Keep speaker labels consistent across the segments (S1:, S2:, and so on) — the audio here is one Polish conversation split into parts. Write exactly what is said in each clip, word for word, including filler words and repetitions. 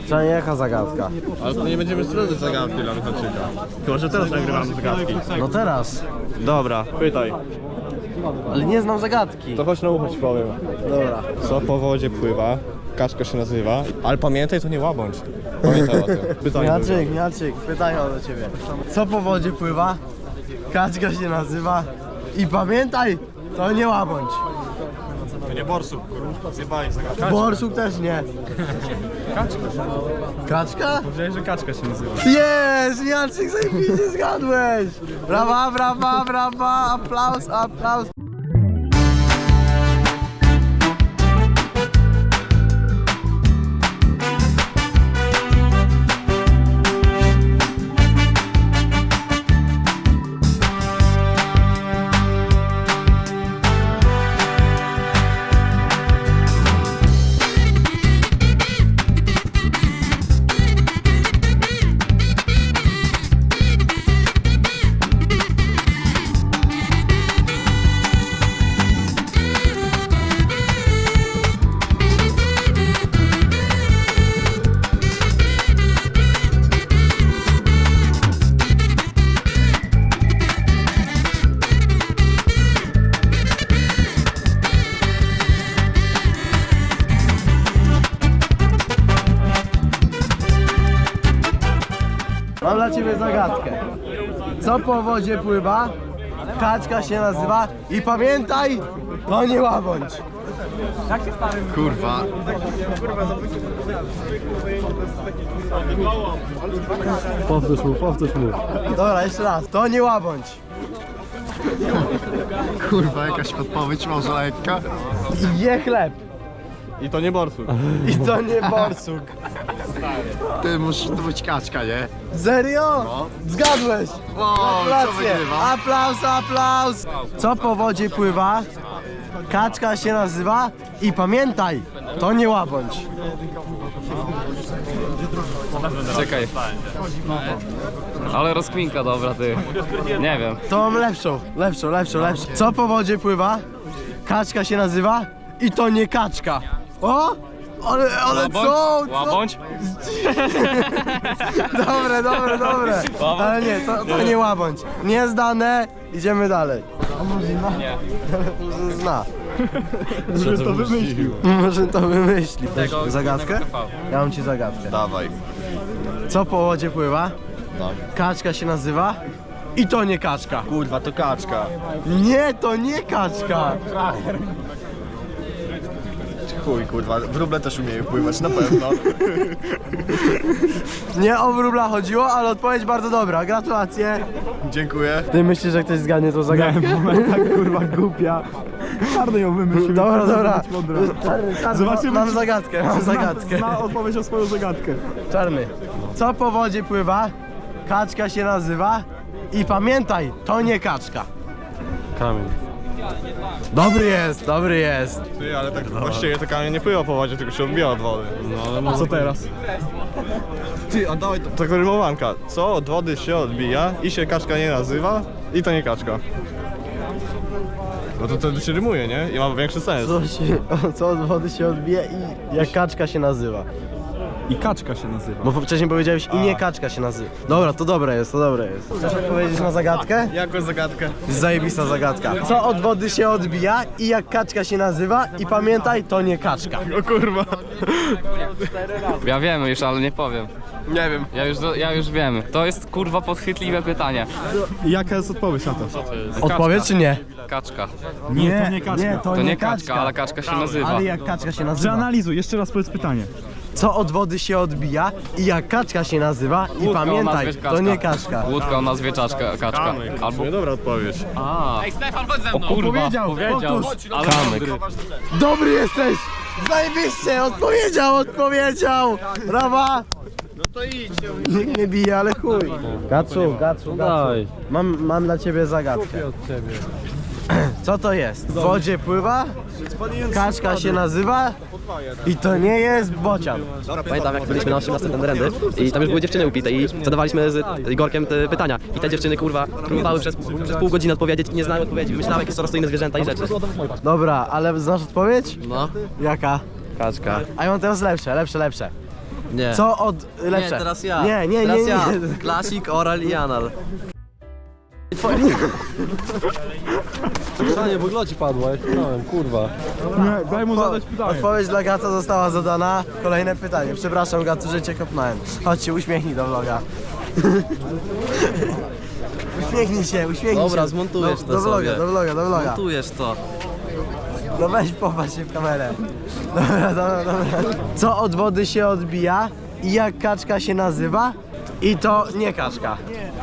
S1: To nie jaka zagadka.
S2: Ale to nie będziemy sprawdzać zagadki dla Michałczyka. Chyba, że teraz nagrywamy zagadki.
S1: No teraz.
S2: Dobra, pytaj.
S1: Ale nie znam zagadki.
S2: To chodź na ucho ci powiem.
S1: Dobra.
S2: Co po wodzie pływa? Kaczka się nazywa. Ale pamiętaj, to nie łabądź. Pamiętaj o tym. Pytanie
S1: Miaczyk, Miaczyk, pytanie do ciebie. Co po wodzie pływa? Kaczka się nazywa. I pamiętaj, to nie łabądź.
S2: To nie borsuk, kurwa. Zjebali zagadkę.
S1: Borsuk też nie.
S2: Kaczka.
S1: Kaczka?
S2: Powiedziałeś, że kaczka się nazywa.
S1: Jest! Miaczyk, zajebiście zgadłeś! Brawa, brawa, brawa! Aplauz, aplauz! Mam dla ciebie zagadkę. Co po wodzie pływa? Kaczka się nazywa. I pamiętaj, to nie łabądź.
S3: Kurwa.
S2: Powtórz mu, powtórz mu.
S1: Dobra, jeszcze raz. To nie łabądź.
S3: Kurwa, jakaś podpowiedź może lekka?
S1: I je chleb.
S2: I to nie borsuk.
S1: I to nie borsuk.
S3: Ty, musi to być kaczka, nie?
S1: Serio? Zgadłeś.
S3: O, co
S1: Gratulacje.
S3: wygrywa?
S1: Aplauz, aplauz. Co po wodzie pływa? Kaczka się nazywa. I pamiętaj, to nie łabądź.
S4: Czekaj. Ale rozkminka dobra, ty. Nie wiem.
S1: To mam lepszą, lepszą, lepszą, lepszą. Co po wodzie pływa? Kaczka się nazywa. I to nie kaczka. O! Ale, ale co? co?
S4: Łabądź?
S1: Dobre, dobre, dobre. Ale nie, to, to nie łabądź. Niezdane, idziemy dalej. A może zna?
S4: Nie.
S1: Może zna.
S2: Że to wymyślił.
S1: Może to wymyśli.
S4: Tego-
S1: Zagadkę?
S4: tego T V.
S1: Ja mam ci zagadkę.
S3: Dawaj.
S1: Co po wodzie pływa?
S3: No.
S1: Kaczka się nazywa. I to nie kaczka.
S2: Kurwa, to kaczka.
S1: Nie, to nie kaczka.
S3: Chuj, kurwa, wróble też umieją pływać, na pewno.
S1: Nie o wróbla chodziło, ale odpowiedź bardzo dobra. Gratulacje.
S3: Dziękuję.
S1: Ty myślisz, że ktoś zgadnie tą zagadkę?
S2: Tak kurwa głupia. Czarny ją wymyślił.
S1: Dobra, dobra. Czarny, czarny,
S2: Zobaczymy,
S1: mam
S2: czy-
S1: zagadkę, mam zagadkę.
S2: Zna odpowiedź na swoją zagadkę.
S1: Czarny. Co po wodzie pływa? Kaczka się nazywa. I pamiętaj, to nie kaczka.
S2: Kamień.
S1: Dobry jest, dobry jest.
S2: Ty, ale tak właściwie to kamień nie pływa po wodzie, tylko się odbija od wody. No ale co teraz? Ty, a dawaj to. To rymowanka. Co od wody się odbija i się kaczka nie nazywa i to nie kaczka. No to wtedy się rymuje, nie? I ma większy sens.
S1: Co, się, co od wody się odbije i jak kaczka się nazywa.
S2: I kaczka się nazywa.
S1: Bo wcześniej powiedziałeś i nie kaczka się nazywa. Dobra, to dobre jest, to dobre jest. Chcesz odpowiedzieć na zagadkę?
S2: Jaką zagadkę?
S1: Zajebista zagadka. Co od wody się odbija i jak kaczka się nazywa i pamiętaj, to nie kaczka.
S2: O kurwa.
S4: Ja wiem już, ale nie powiem.
S2: Nie wiem.
S4: Ja już, ja już wiem. To jest kurwa podchwytliwe pytanie.
S2: Jaka jest odpowiedź na to?
S1: Odpowiedź czy nie?
S4: Kaczka.
S2: Nie, to nie kaczka.
S1: Nie, to,
S4: To nie kaczka, ale kaczka się nazywa.
S1: Ale jak kaczka się nazywa?
S2: Przeanalizuj, jeszcze raz powiedz pytanie.
S1: Co od wody się odbija i jak kaczka się nazywa i
S4: Łódka o
S1: pamiętaj,
S4: nazwie
S1: to nie kaczka.
S4: Łódka o nazwie czaczka, kaczka. Albo...
S2: Dobra odpowiedź.
S4: A. Ej, Stefan, chodź ze mną. O kurwa,
S1: Powiedział,
S4: powiedział.
S1: powtórz.
S4: Ale
S1: Kamyk. Dobry jesteś! Zajebiście! Odpowiedział, odpowiedział! Brawa!
S2: No to idź.
S1: Nikt nie bije, ale chuj. Gacu, gacu, gacu. Mam, mam dla ciebie zagadkę. Co to jest? W wodzie pływa, kaczka się nazywa i to nie jest bocian.
S5: Pamiętam, jak byliśmy na osiemnastym ten rendy i tam już były dziewczyny upite i zadawaliśmy z Igorkiem te pytania. I te dziewczyny, kurwa, próbowały przez, przez pół godziny odpowiedzieć i nie znały odpowiedzi. Wymyślały jakieś coraz zwierzęta i rzeczy.
S1: Dobra, ale znasz odpowiedź?
S5: No.
S1: Jaka?
S5: Kaczka.
S1: A ja mam teraz lepsze, lepsze, lepsze.
S5: Nie.
S1: Co od... lepsze?
S5: Nie, teraz ja.
S1: Nie, nie,
S5: teraz
S1: nie, nie.
S5: ja. Klasik, oral i anal. Pytanie, w ogóle ci padło, ja pytałem, kurwa.
S2: Nie, daj mu zadać pytanie.
S1: Odpowiedź dla Gaca została zadana. Kolejne pytanie. Przepraszam Gacu, że cię kopnąłem. Chodź się, uśmiechnij do vloga. Uśmiechnij się, uśmiechnij
S5: Dobra,
S1: się.
S5: zmontujesz
S1: do,
S5: to
S1: do vloga,
S5: sobie.
S1: do vloga, do vloga.
S5: Montujesz to.
S1: No weź popatrz się w kamerę. Dobra, dobra, dobra. Co od wody się odbija i jak kaczka się nazywa? I to nie kaczka.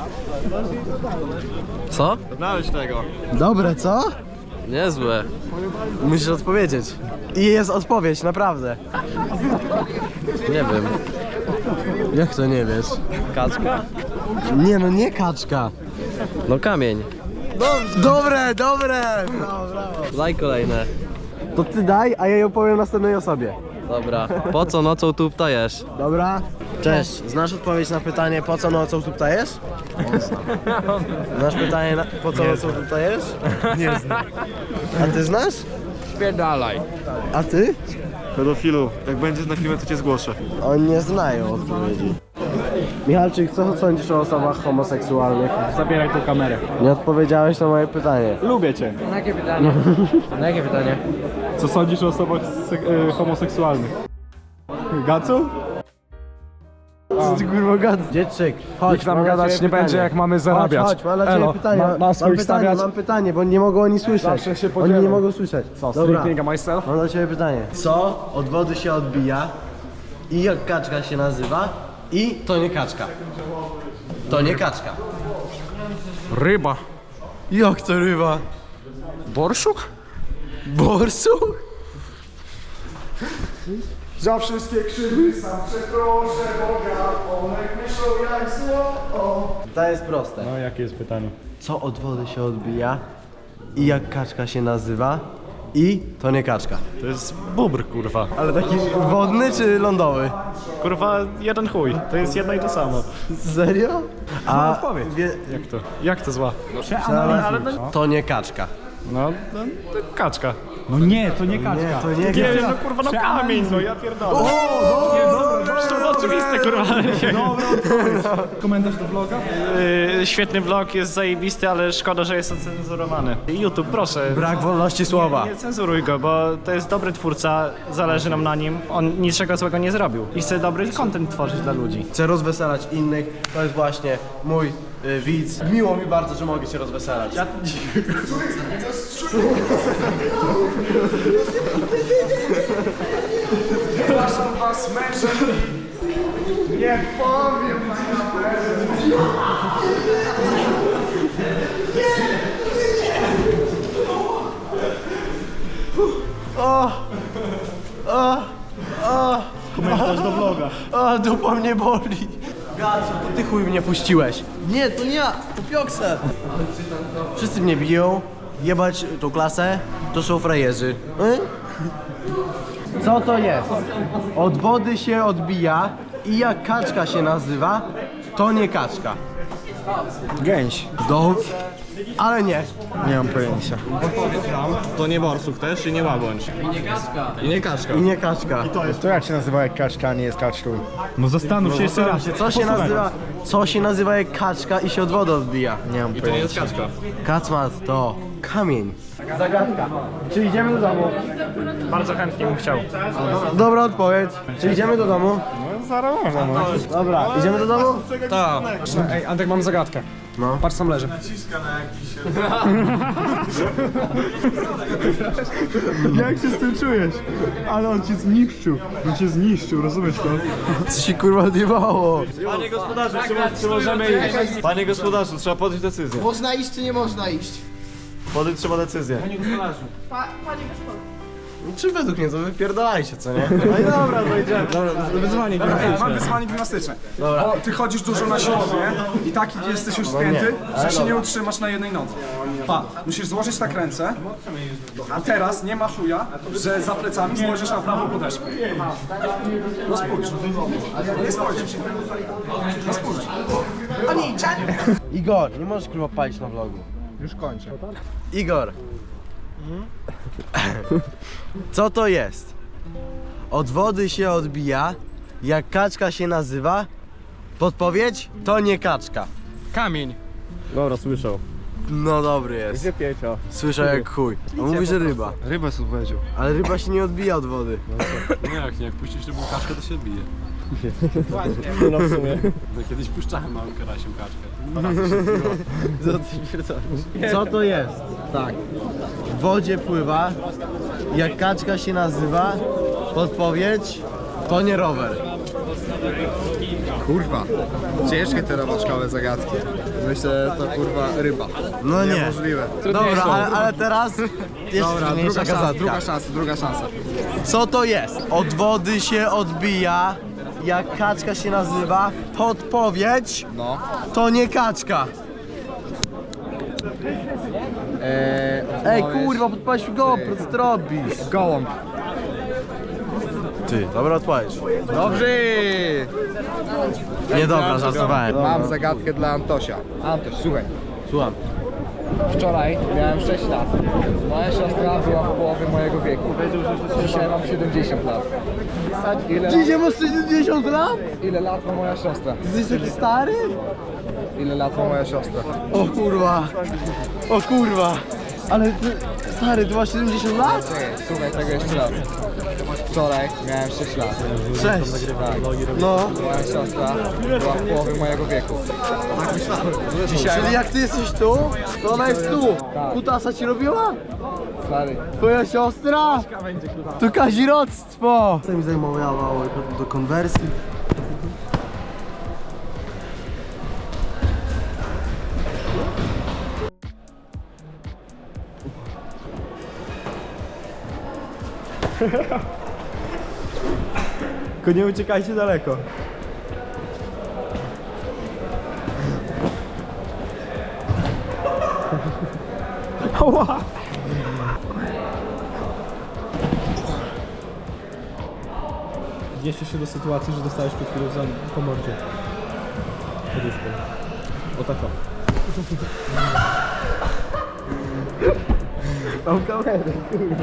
S5: Co?
S2: Znaleźć tego.
S1: Dobre, co?
S5: Niezłe.
S1: Musisz odpowiedzieć. I jest odpowiedź, naprawdę.
S5: Nie wiem.
S1: Jak to nie wiesz?
S5: Kaczka?
S1: Nie no, nie kaczka.
S5: No kamień.
S1: Dobre, dobre! Brawo, brawo.
S5: Daj kolejne.
S1: To ty daj, a ja je opowiem następnej osobie.
S5: Dobra. Po co nocą tu ptajesz?
S1: Dobra? Cześć, znasz odpowiedź na pytanie, po co nocą tu ptajesz? Znasz pytanie, na, po co nocą tu ptajesz? Nie znam. A ty znasz?
S4: Spierdalaj.
S1: A ty?
S2: Pedofilu, jak będziesz na filmie, to cię zgłoszę.
S1: Oni nie znają odpowiedzi. Michalczyk, co sądzisz o osobach homoseksualnych?
S2: Zabieraj tą kamerę.
S1: Nie odpowiedziałeś na moje pytanie.
S2: Lubię cię.
S4: Na jakie pytanie? Na jakie pytanie?
S2: Co sądzisz o osobach e, homoseksualnych? Gacu?
S1: Co ty kurwa gadasz? Dziedczyk, chodź,
S6: Nikt nam
S1: mam dla
S6: gadać
S1: ciebie
S6: nie
S1: pytanie.
S6: będzie, jak mamy zarabiać.
S1: Chodź, chodź, mam dla ciebie
S6: Elo,
S1: pytanie.
S6: ma- ma
S1: mam
S6: swoich
S1: pytanie,
S6: stawiać?
S1: mam pytanie, bo nie mogą oni słyszeć.
S6: Zawsze się
S1: Oni
S6: podzielę.
S1: nie mogą słyszeć.
S6: Co,
S1: Dobra,
S6: stripping myself?
S1: mam dla ciebie pytanie. Co od wody się odbija i jak kaczka się nazywa i to nie kaczka. To nie kaczka.
S6: Ryba.
S1: Jak to ryba?
S6: Borszuk?
S1: Borsuk?
S6: Za wszystkie krzywdy sam przeproszę Boga, one myślą jak zło.
S1: To jest proste.
S2: No, jakie jest pytanie?
S1: Co od wody się odbija i jak kaczka się nazywa i to nie kaczka.
S2: To jest bubr, kurwa.
S1: Ale taki wodny czy lądowy?
S2: Kurwa, jeden chuj. To jest jedno i to samo.
S1: Serio? A
S2: odpowiedź.
S1: wie,
S2: Jak to? Jak to zła?
S1: ale, ale to nie kaczka.
S2: No, no to kaczka.
S6: No nie, to nie kaczka.
S1: Nie, to nie
S2: Nie
S1: kaczka.
S2: wiem, no kurwa, no kamień, no ja pierdolę. O, no, to oczywiste, kurwa.
S6: Komentarz do vloga?
S2: Yy, świetny vlog, jest zajebisty, ale szkoda, że jest ocenzurowany. YouTube, proszę.
S1: Brak wolności słowa.
S2: Nie cenzuruj go, bo to jest dobry twórca, zależy nam na nim. On niczego złego nie zrobił i chce dobry content tworzyć dla ludzi.
S1: Chcę rozweselać innych. To jest właśnie mój y, widz. Miło mi bardzo, że mogę się rozweselać. Ja...
S6: Przepraszam was, mężem i nie powiem na kamerze.
S2: Komentarz do vloga.
S1: A, dupa mnie boli. Gacu, to ty chuj mnie puściłeś. Nie, to nie ja, to Piokse. Wszyscy mnie biją. Jebać tą klasę, to są frajerzy. Y? Co to jest? Od wody się odbija i jak kaczka się nazywa, to nie kaczka.
S6: Gęś.
S1: Dobrze. Ale nie.
S6: Nie mam pojęcia.
S2: To nie borsuk też i nie łabędź. I nie kaczka. I nie kaczka.
S1: I nie kaczka.
S6: To jak się nazywa jak kaczka, a nie jest kaczką? No zastanów się jeszcze raz.
S1: Co się nazywa, co się nazywa jak kaczka i się od wody odbija?
S6: Nie mam
S2: I to nie jest kaczka.
S1: Kacmat to kamień. Zagadka. Czy idziemy do domu?
S2: Bardzo chętnie bym chciał.
S1: Dobra odpowiedź. Czy idziemy do domu?
S6: No zaraz można, no.
S1: Dobra, idziemy do domu?
S6: Tak. Ej, Antek, mam zagadkę.
S1: No.
S6: Patrz, sam leży. Jak się z tym czujesz? Ale on cię zniszczył. On cię zniszczył, rozumiesz to?
S1: Co się kurwa odjebało?
S2: Panie gospodarzu, czy, czy możemy iść? Panie gospodarzu, trzeba podjąć decyzję.
S7: Można iść czy nie można iść?
S2: Podjąć trzeba decyzję.
S7: Pa, panie gospodarzu.
S1: Czy według mnie to wypierdalajcie, co nie?
S2: No i dobra, no idziemy.
S6: Wyzwanie gimnastyczne. Mam wyzwanie gimnastyczne. Dobra. O, ty chodzisz dużo na siłownię i taki jesteś już spięty, że się nie utrzymasz na jednej nodze. Pa, musisz złożyć tak ręce, a teraz nie ma chuja, że za plecami spojrzysz na prawą podeszwę. No spójrz. Nie spojrzysz. No spójrz.
S1: Igor, nie możesz kurwa palić na vlogu.
S6: Już kończę.
S1: Igor. Co to jest? Od wody się odbija Jak kaczka się nazywa? Podpowiedź? To nie kaczka.
S2: Kamień.
S3: Dobra, słyszał.
S1: No dobry jest.
S3: Gdzie Piecio?
S1: Słyszał jak chuj. On mówi, że ryba.
S2: Rybę sobie powiedział.
S1: Ale ryba się nie odbija od wody.
S8: Nie, jak nie, jak puścisz rybą kaczkę, to się odbije.
S3: No w sumie.
S8: No, kiedyś puszczałem małym karasiem kaczkę.
S1: Co to jest? Tak. W wodzie pływa. Jak kaczka się nazywa? Podpowiedź? To nie rower.
S3: Kurwa. Ciężkie te robaczkowe zagadki. Myślę, to kurwa ryba.
S1: No nie.
S3: Niemożliwe.
S1: Dobra, ale, ale teraz jeszcze
S3: Dobra,
S1: trudniejsza
S3: druga szansa,
S1: zagadka.
S3: druga szansa, druga szansa.
S1: Co to jest? Od wody się odbija. Jak kaczka się nazywa? Podpowiedź?
S3: No.
S1: To nie kaczka.
S3: Eee,
S1: Ej kurwa, podpalisz GoPro, co ty robisz?
S3: Gołąb.
S1: Ty, dobra odpowiedź.
S3: Dobrze!
S1: Nie dobra, żartowałem.
S3: Mam zagadkę dla Antosia. Antoś, słuchaj.
S1: Słucham.
S3: Wczoraj miałem sześć lat. Moja siostra była w połowie mojego wieku. Dzisiaj mam siedemdziesiąt lat. Ile,
S1: Dzisiaj masz sześćdziesiąt lat?
S3: ile lat ma moja siostra?
S1: Ty jesteś taki stary?
S3: Ile lat ma moja siostra?
S1: O kurwa. O kurwa. Ale ty, stary, ty masz siedemdziesiąt lat?
S3: Czekaj, słuchaj tego jeszcze raz. Wczoraj miałem sześć lat.
S1: Sześć.
S3: Tak.
S1: No.
S3: Moja siostra była w połowie mojego wieku. Dzisiaj
S1: Czyli jak ty jesteś tu, to ona jest tu.
S3: Tak.
S1: Kutasa ci robiła?
S3: stary.
S1: Twoja siostra? To kazirodztwo! Co mi zajmowało do konwersji?
S2: Tylko nie uciekajcie daleko. Ała! Odnieście się do sytuacji, że dostałeś przed chwilą za po mordzie. Poduszką. O tako. Mam kamerę, kurwa.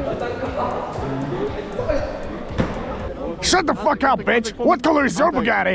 S9: Shut the fuck up, bitch! What color is your Bugatti?